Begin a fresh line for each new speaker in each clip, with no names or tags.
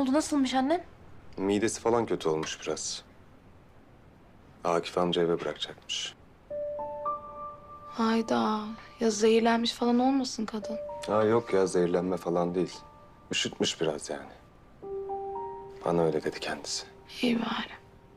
oldu? Nasılmış annen?
Midesi falan kötü olmuş biraz. Akif amca eve bırakacakmış.
Hayda. Ya zehirlenmiş falan olmasın kadın?
Ha yok ya, zehirlenme falan değil. Üşütmüş biraz yani. Bana öyle dedi kendisi.
İyi bari.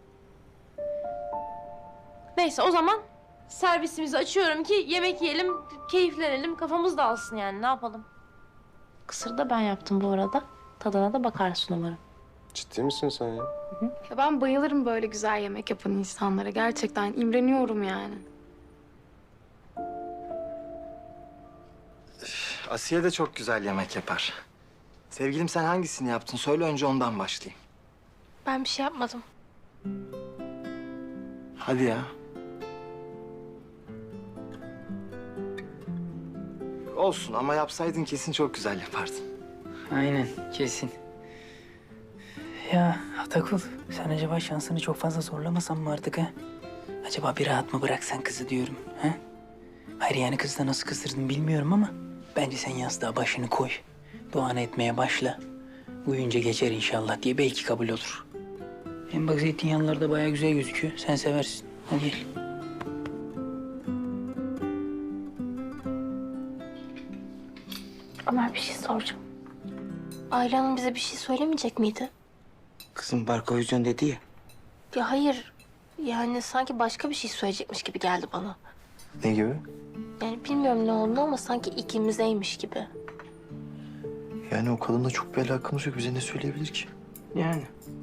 Neyse o zaman servisimizi açıyorum ki yemek yiyelim, keyiflenelim, kafamız dağılsın yani. Ne yapalım? Kısırı da ben yaptım bu arada. Tadına da bakarsın umarım.
Ciddi misin sen ya?
Ya ben bayılırım böyle güzel yemek yapan insanlara. Gerçekten imreniyorum yani.
Asiye de çok güzel yemek yapar. Sevgilim sen hangisini yaptın? Söyle önce ondan başlayayım.
Ben bir şey yapmadım.
Hadi ya. Olsun ama yapsaydın kesin çok güzel yapardın.
Aynen, kesin. Ya Atakul, sen acaba şansını çok fazla zorlamasan mı artık ha? Acaba bir rahat mı bıraksan kızı diyorum ha? Hayır yani kızı da nasıl kızdırdın bilmiyorum ama bence sen yastığa başını koy. Duanı etmeye başla. Uyuyunca geçer inşallah diye belki kabul olur. Hem bak zeytinyağlılar da bayağı güzel gözüküyor. Sen seversin. Hadi gel.
Ömer bir şey soracağım. Ayla Hanım bize bir şey söylemeyecek miydi?
Kızım barkovizyon dedi ya.
Ya hayır. Yani sanki başka bir şey söyleyecekmiş gibi geldi bana.
Ne gibi?
Yani bilmiyorum ne oldu ama sanki ikimizeymiş gibi.
Yani o kadınla çok bir alakamız yok. Bize ne söyleyebilir ki?
Yani.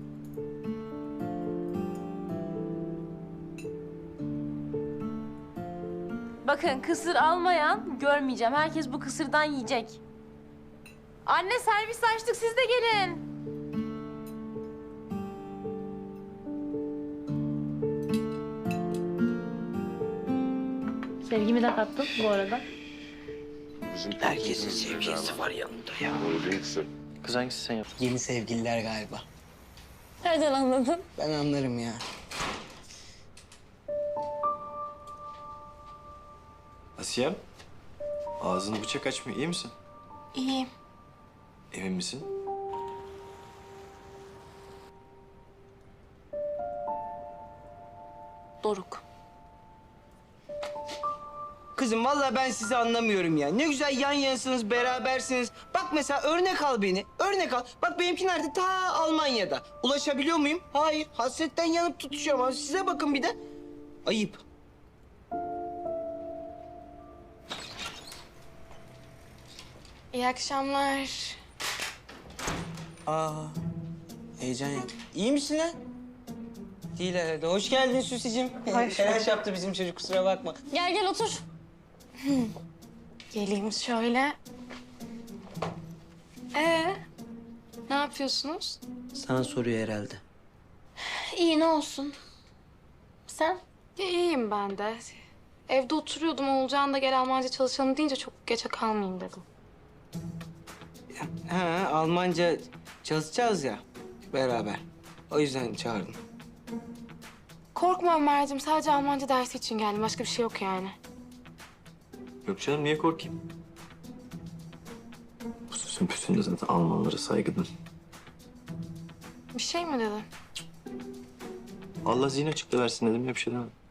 Bakın kısır almayan görmeyeceğim. Herkes bu kısırdan yiyecek. Anne servis açtık siz de gelin. Sevgimi de kattım bu arada.
Herkesin sevgilisi var yanında ya.
Kız hangisi sen yaptın?
Yeni sevgililer galiba.
Nereden anladın?
Ben anlarım ya.
Asiyem, ağzını bıçak açmıyor. İyi misin?
İyiyim.
Emin misin?
Doruk.
Kızım vallahi ben sizi anlamıyorum ya. Ne güzel yan yanasınız, berabersiniz. Bak mesela örnek al beni. Örnek al. Bak benimki nerede? Ta Almanya'da. Ulaşabiliyor muyum? Hayır. Hasretten yanıp tutuşuyorum. Ama size bakın bir de. Ayıp.
İyi akşamlar.
Aa, heyecan yap. İyi misin lan? Değil herhalde. Hoş geldin Süsicim. Telaş yaptı bizim çocuk, kusura bakma.
Gel gel otur. Geleyim şöyle. Ne yapıyorsunuz?
Sana soruyor herhalde.
İyi ne olsun. Sen?
Ya, iyiyim ben de. Evde oturuyordum. Oğulcan da gel Almanca çalışalım deyince çok geçe kalmayayım dedim.
Ha, Almanca çalışacağız ya beraber. O yüzden çağırdım.
Korkma Ömerciğim. Sadece Almanca dersi için geldim. Başka bir şey yok yani.
Yok canım, niye korkayım? Bu sözün püsünde zaten Almanlara saygıdan.
Bir şey mi dedi?
Allah zihin açıkla versin dedim ya, bir şey demedim.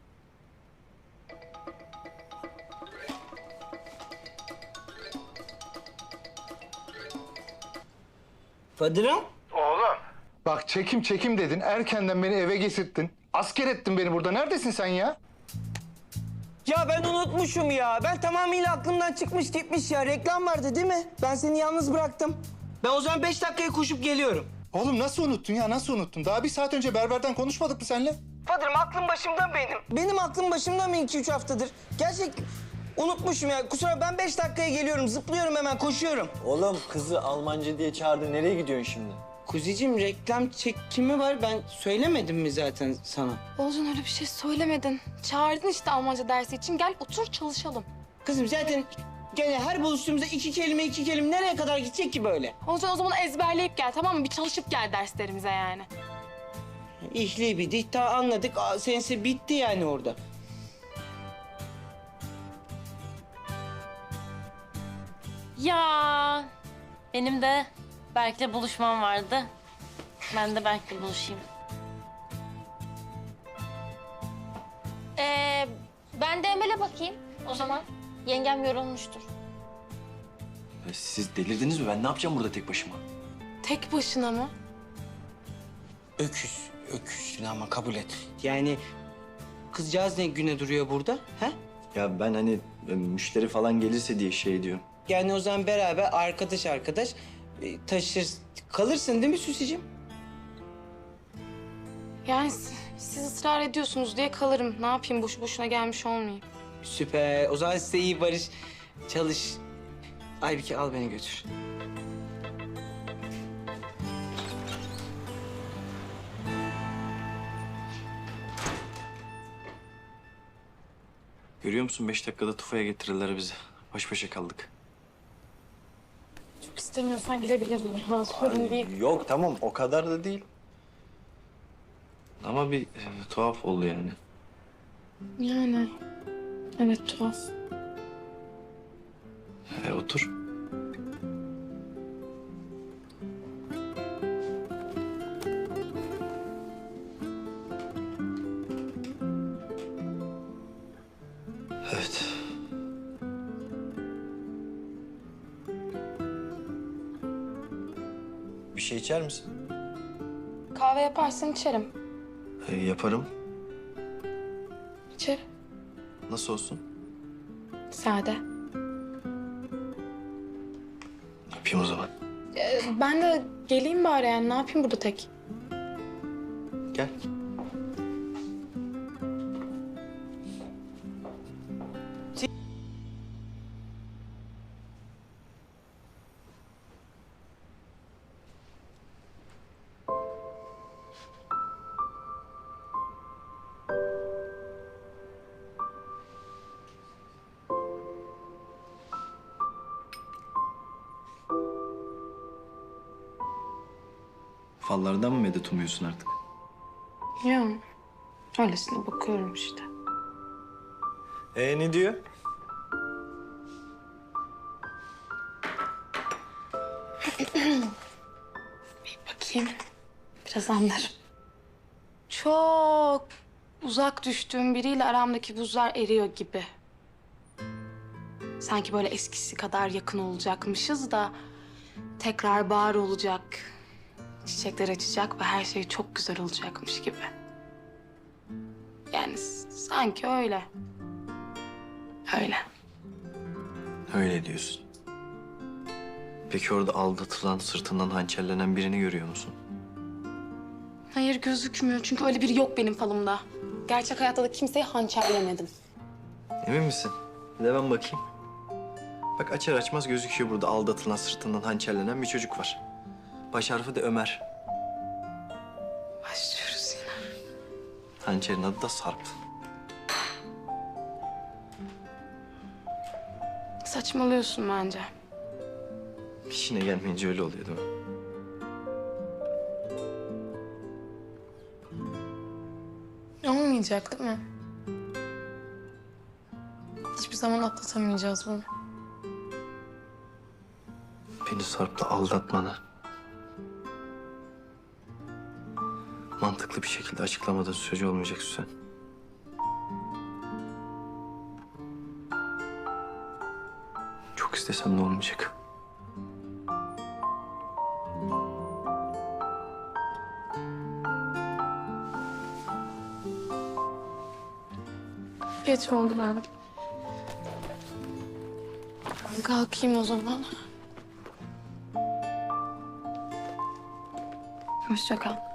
Fadırım?
Bak çekim çekim dedin. Erkenden beni eve getirttin. Asker ettin beni burada. Neredesin sen ya?
Ya ben unutmuşum ya. Ben tamamıyla aklımdan çıkmış gitmiş ya. Reklam vardı değil mi? Ben seni yalnız bıraktım. Ben o zaman 5 dakikaya koşup geliyorum.
Oğlum nasıl unuttun ya? Nasıl unuttun? Daha bir saat önce berberden konuşmadık mı seninle?
Fadırım aklım başımda benim. Benim aklım başımda mı 2-3 haftadır? Gerçek unutmuşum ya. Kusura ben 5 dakikaya geliyorum. Zıplıyorum hemen koşuyorum.
Oğlum kızı Almanca diye çağırdı. Nereye gidiyorsun şimdi?
Kuzicim reklam çekimi var. Ben söylemedim mi zaten sana?
Oğulcan öyle bir şey söylemedin. Çağırdın işte Almanca dersi için. Gel otur çalışalım.
Kızım zaten gene her buluştuğumuzda iki kelime nereye kadar gidecek ki böyle?
Oğulcan o zaman ezberleyip gel tamam mı? Bir çalışıp gel derslerimize yani.
İhli bir dihta anladık. Sensi bitti yani orada.
Ya benim de Berk'le buluşmam vardı. Ben de belki buluşayım. Ben de Emel'e bakayım o zaman. Yengem yorulmuştur.
Siz delirdiniz mi? Ben ne yapacağım burada tek başıma?
Tek başına mı?
Öküzsün ama kabul et. Yani kızcağız ne güne duruyor burada? He?
Ya ben hani müşteri falan gelirse diye şey diyorum.
Yani o zaman beraber arkadaş taşır kalırsın değil mi Süsicim?
Yani siz ısrar ediyorsunuz diye kalırım. Ne yapayım boşu boşuna gelmiş olmayayım.
Süper. O zaman size iyi barış. Çalış. Aybike al beni götür.
Görüyor musun? 5 dakikada tufaya getirirler bizi. Baş başa kaldık.
Çok istemiyorsan gidebilirim. Ha, sorun değil.
Yok tamam o kadar da değil. Ama bir tuhaf oldu yani.
Yani evet tuhaf.
Otur. Evet. Bir şey içer misin?
Kahve yaparsan içerim.
Yaparım.
İçerim.
Nasıl olsun?
Sade.
Yapayım o zaman.
Ben de geleyim bari yani. Ne yapayım burada tek?
Gel. Fallardan mı medet umuyorsun artık?
Ya öylesine bakıyorum işte.
Ne diyor?
Bakayım. Biraz anlarım. Çok uzak düştüğüm biriyle aramdaki buzlar eriyor gibi. Sanki böyle eskisi kadar yakın olacakmışız da tekrar bahar olacak. Çiçekler açacak ve her şey çok güzel olacakmış gibi. Yani sanki öyle. Öyle.
Öyle diyorsun. Peki orada aldatılan, sırtından hançerlenen birini görüyor musun?
Hayır gözükmüyor çünkü öyle biri yok benim falımda. Gerçek hayatta da kimseyi hançerlemedim.
Emin misin? Bir de ben bakayım. Bak açar açmaz gözüküyor burada aldatılan, sırtından hançerlenen bir çocuk var. Baş harfi de Ömer.
Başlıyoruz yine.
Hançerin adı da Sarp.
Saçmalıyorsun bence.
İşine gelmeyince öyle oluyor değil mi?
Olmayacak değil mi? Hiçbir zaman atlatamayacağız bunu.
Beni Sarp'la aldatmanı mantıklı bir şekilde açıklamadığın sürece olmayacak Süsen. Çok istesem de olmayacak.
Geç oldu ben. Kalkayım o zaman. Hoşça kal.